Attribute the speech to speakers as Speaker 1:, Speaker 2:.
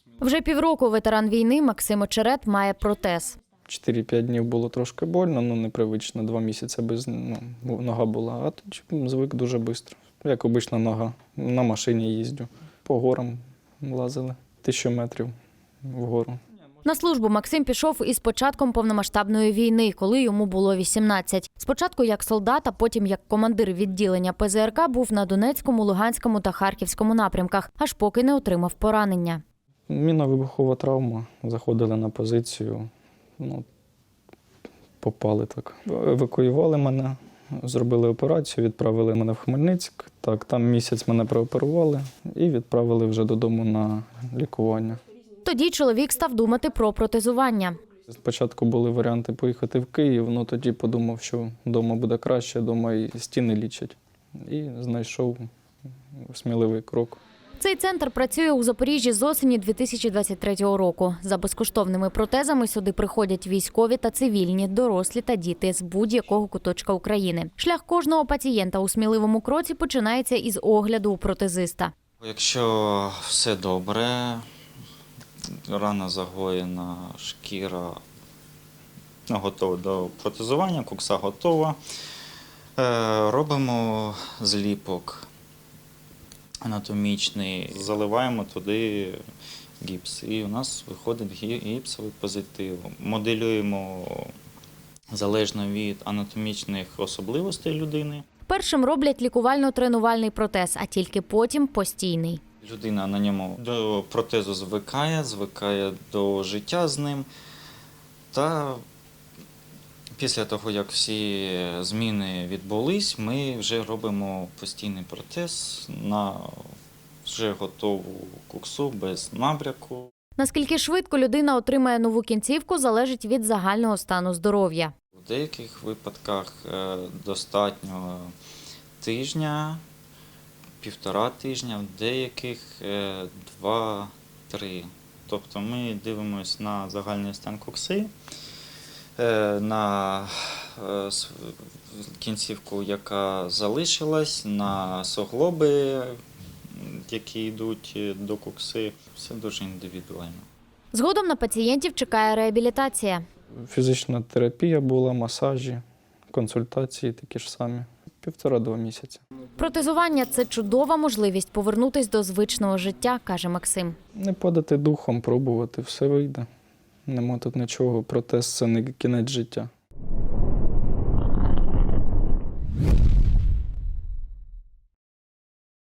Speaker 1: Вже півроку ветеран війни Максим Очерет має протез.
Speaker 2: 4-5 днів було трошки больно, непривично, 2 місяці нога була, а тоді звик дуже швидко. Як обична нога, на машині їздю, по горам лазили, 1000 метрів вгору.
Speaker 1: На службу Максим пішов із початком повномасштабної війни, коли йому було 18. Спочатку як солдат, а потім як командир відділення ПЗРК був на Донецькому, Луганському та Харківському напрямках, аж поки не отримав поранення.
Speaker 2: Мінно-вибухова травма, заходили на позицію, попали так. Евакуювали мене, зробили операцію, відправили мене в Хмельницьк. Так, там місяць мене прооперували і відправили вже додому на лікування.
Speaker 1: Тоді чоловік став думати про протезування.
Speaker 2: Спочатку були варіанти поїхати в Київ, але тоді подумав, що вдома буде краще, вдома і стіни лічать. І знайшов сміливий крок.
Speaker 1: Цей центр працює у Запоріжжі з осені 2023 року. За безкоштовними протезами сюди приходять військові та цивільні, дорослі та діти з будь-якого куточка України. Шлях кожного пацієнта у сміливому кроці починається із огляду у протезиста.
Speaker 3: Якщо все добре, рана загоєна, шкіра готова до протезування, кукса готова, робимо зліпок анатомічний, заливаємо туди гіпс, і у нас виходить гіпсовий позитив. Моделюємо залежно від анатомічних особливостей людини.
Speaker 1: Першим роблять лікувально-тренувальний протез, а тільки потім постійний.
Speaker 3: Людина на ньому до протезу звикає до життя з ним. Та після того, як всі зміни відбулись, ми вже робимо постійний протез на вже готову куксу без набряку.
Speaker 1: Наскільки швидко людина отримає нову кінцівку, залежить від загального стану здоров'я.
Speaker 3: В деяких випадках достатньо тижня, 1,5 тижня, в деяких 2-3. Тобто ми дивимося на загальний стан кукси, на кінцівку, яка залишилась, на суглоби, які йдуть до кукси. Все дуже індивідуально.
Speaker 1: Згодом на пацієнтів чекає реабілітація.
Speaker 2: Фізична терапія була, масажі, консультації такі ж самі. 1,5-2 місяці.
Speaker 1: Протезування – це чудова можливість повернутися до звичного життя, каже Максим.
Speaker 2: Не падати духом, пробувати, все вийде. Нема тут нічого, протез – це не кінець життя.